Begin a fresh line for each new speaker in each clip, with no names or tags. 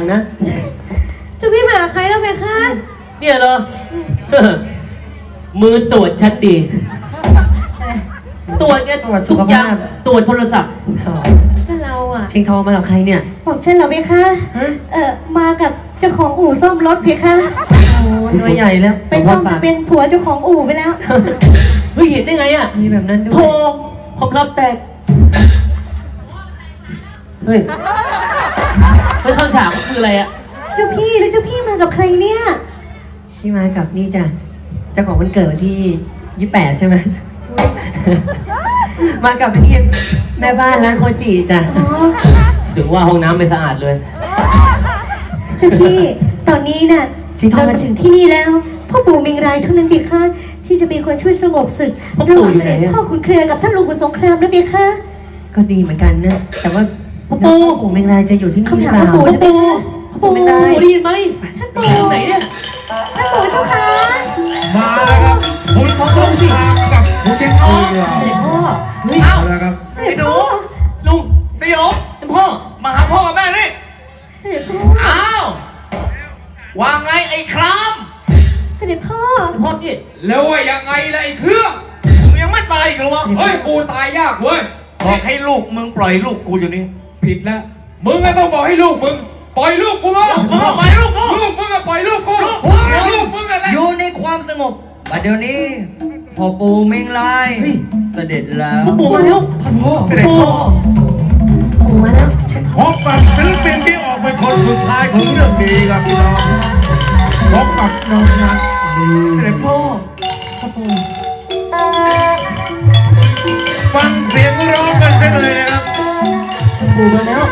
นะ
เจ้าพี่มากับใครแล้วเพคะ
เนี่ยเหรอ มือตรวจชัดดีตรวจเนี่ยทุกอย่างตรวจโทรศัพท์
ก็เราอ่ะ
ชิงทองมากับใครเนี่ย
ผมเช่นเราเพคะมากับเจ้าของอู่ซ่อมรถเพคะ
โอ้ตัวใหญ่แล้ว
ไปซ่อมเป็นผัวเจ้าของอู่ไปแล้ว
เฮ้ยเห็นได้ไงอ่ะ
มีแบบนั้นด้วย
โทรคอมรับแตกเฮ้ยข้างฉากคืออะไรอ่ะ
เจ้าพี่แล้วเจ้าพี่มากับใครเนี่ย
พี่มากับนี่จ้ะเจ้าของวันเกิดวันที่28ใช่ไหมมากับพี่แม่บ้านร้านโคจิจ้ะถึงว่าห้องน้ำไม่สะอาดเลย
เจ้าพี่ตอนนี้น่ะเรามาถึงที่นี่แล้วพ่อปู่เมงรายเท่านั้นเบียค่ะที่จะเป็นคนช่วยสงบศึกระหว่างเสด็จพ่อขุนเครือกับท่านลุงขุนสงครามนะเบียค่ะ
ก็ดีเหมือนกันนะแต่ว่าพ่อปู่เมงรายจะอยู่ที่นี่หรือเปล่า
พ่อปู่
เมงรายได้ยินไหม
ท่านปู่
ไหนเนี่ย
ท่านปู่เจ้าค่ะ
มาแล้วครับคุณพ่อสงครามกับเชียงทองเรา
เฮ้ย
เอาแล้วครับ
ไอ้หนู
ลุง
สยบ
เป็นพ่อ
มาหาพ่อกับแม่นี่อ้าวว่าไงไอ้คราม
เสด็จพ่อ
นี่
แล้วว่ายังไงล่ะไอ้เครื่อง
มึงยังไม่ตายอีกเหรอวะ
เฮ้ยกูตายยากเว้ย
บอกให้ลูกมึงปล่อยลูกกูอยู่นี่
ผิดแล้วมึงก็ต้องบอกให้ลูกมึงปล่อยลูกกูมา
มึงปล่อยลูกกู
ลูกมึงก็ปล่อยลูกกูลูกมึงอะไร
อยู่ในความสงบบัดเดี๋ยวนี้พ่อปู่เมงลายเสด็จแล้ว
พ่อปู่มาแล้ว
ท่านพ่อ
เสด็จพ่อ
ปู่มาแล้ว
พบกับศิลปินที่ออกเป็นคนสุดท้ายของเรื่องนี้ครับพี่น้องพบกับน้องนัท
เสด็จพ่อ
ฟังเสียงร้องกันได้เลยนะครับ
ปู่มาแล้ว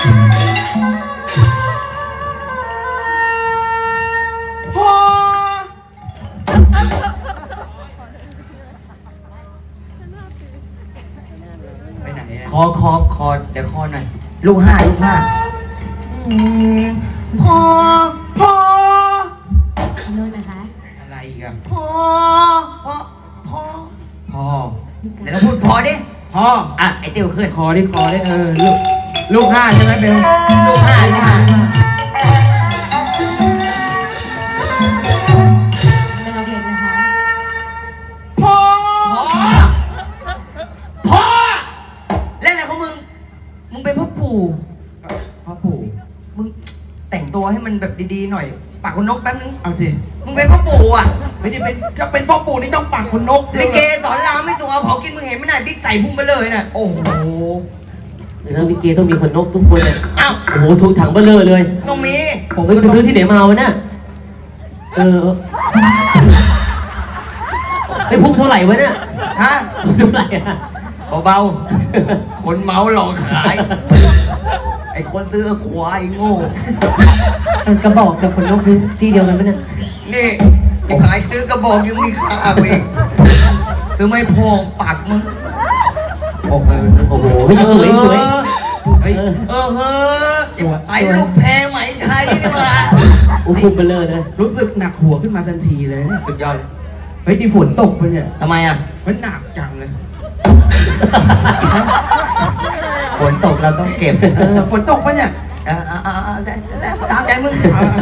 พ่อไปไหนคอเดี๋ยวคอหน่อยลูกห้าพ่อ
โน่นนะคะ
อะไรอีกอะพ่อเดี๋ยวเราพูดพอดิพ่ออ่ะไอเตียวขึ้น
คอดิลูกห้าใช่ไหมเบล
ลูกห้า
เราเห็นนะคะ
พ่อเล่นอะไรของมึงเป็นพ่อปู่มึงแต่งตัวให้มันแบบดีๆหน่อยปากคนนกแป๊บนึงเอาสิมึงเป็นพ่อปู่อ่ะไม่ได้เป็นจะเป็นพ่อปู่นี่ต้องปากคนนกลิเกสอนรามไม่สูงเอาเผากินมึงเห็นไหมน่ะบิ๊กใส่พุ่งไปเลยน่ะโอ้โห
เดี๋ยวลิเกต้องมีคนนกทุกคนเลย
อ้าว
โอ้โหถูกถังเบลเลอเลย
ต้องมี
ผมไปซื้อที่ไหนมาวะเนี่ยไอ้พุ่งเท่าไหร่วะเนี่ย
ฮะ
เท่าไหร่อะ
เบาๆคนเมาหลอกขายไอ้คนซื้อควายโง่
กระบอกกับคนนกซื้อที่เดียวกันไหมเนี่ย
นี่ไอ้ขายซื้อกระบอกยังมีค่าเองซื้อไม่พอปากมึง
โอ้โหสวย
เฮ้ยไอ้ลูกแพรไหมไทยนี่มา
พุ่งไปเลยนะ
รู้สึกหนักหัวขึ้นมาทันทีเลยสุดยอดเฮ้ยนี่ฝนตกปะเนี่ยทำไมอ่ะมันหนักจังเลยฝนตกเราต้องเก็บฝนตกปะเนี่ยตามใจมึง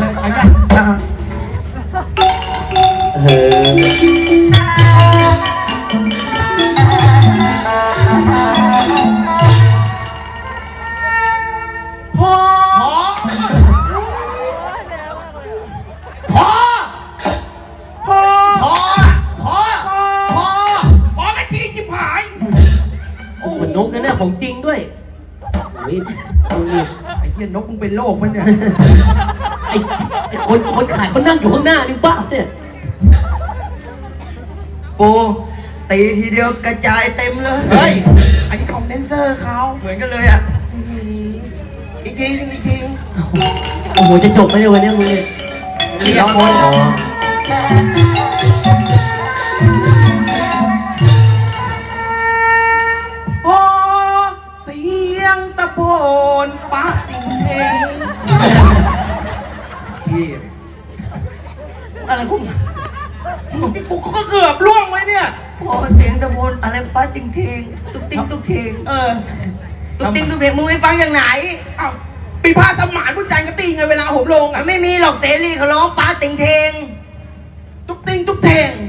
นกนั่นน่ะของจริงด้วยโอ้ย
ไอ้เหี้ยนกมึงเป็นโรคมันเนี่ย
ไอ้คนขายเขานั่งอยู่ข้างหน้านี่บ้าเนี่ย
ปูตีทีเดียวกระจายเต็มเลยเฮ้ยอันนี้คอมเดนเซอร์เขาเหมือนกันเลยอ่ะอีกที
โอ้โหจะจบไหมเนี่ยวันนี้มึงเนี่ย
เรียบร้อยปะติงเทงที่อะไรกูก็เกือบล่วงไว้เนี่ยพอเสียงตะโพนอะไรปะติงเทงตุ๊กติ๊งตุ๊กเทงตุ๊กติ๊งตุ๊กเทงมึงไม่ฟังอย่างไหนอ้าวป
มีผ้าสมานผู้ใจก็ตีไงเวลาผมลงอ่ะ
ไม่มีหรอกเสรีเขาร้องป้าติงเทง
ตุ๊กติงตุ๊กเทง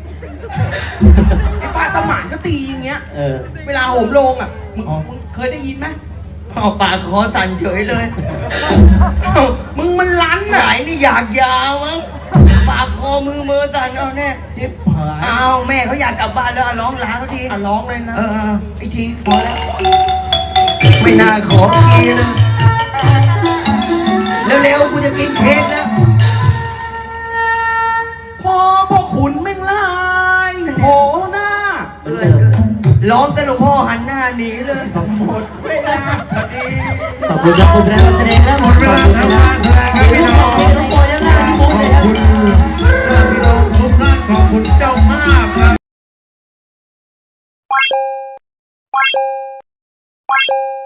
มีผ้าสมานก็ตีอย่างเงี้ย
เออ
เวลาผมลงอ่ะมึงเคยได้ยินไหม
เอาปากคอสั่นเฉยเลย
มึงมันลั้น
ไหน
อ่ะ
นี่อยากยาวมั้งปากคอมือสั่นเอาแน่
เจ็บหาย
เอาแม่เขาอยากกลับบ้านแล้วเอาร้องลาเขาที
อ่ะร้องเลยนะ
เออ
ไอ้ทีพอแล้ว
ไม่น่าขอทีนะเร็วๆกูจะกินเค้กแล้ว
พ่อขุนแม่งลายโผล่หน้า
เหมือนเดิม
ร้องสนุกพ่อหันหน้าหนีเลย
หมดเวลาพอดี
ขอบคุณครับคุณแรงแสดงและ
หมดเวลาทำงานแสดงครับพี่น้อง
ขอบคุณทุกคนนะครับ
ขอบคุณพี่น้องทุกท่านขอบคุณเจ้าภาพครับ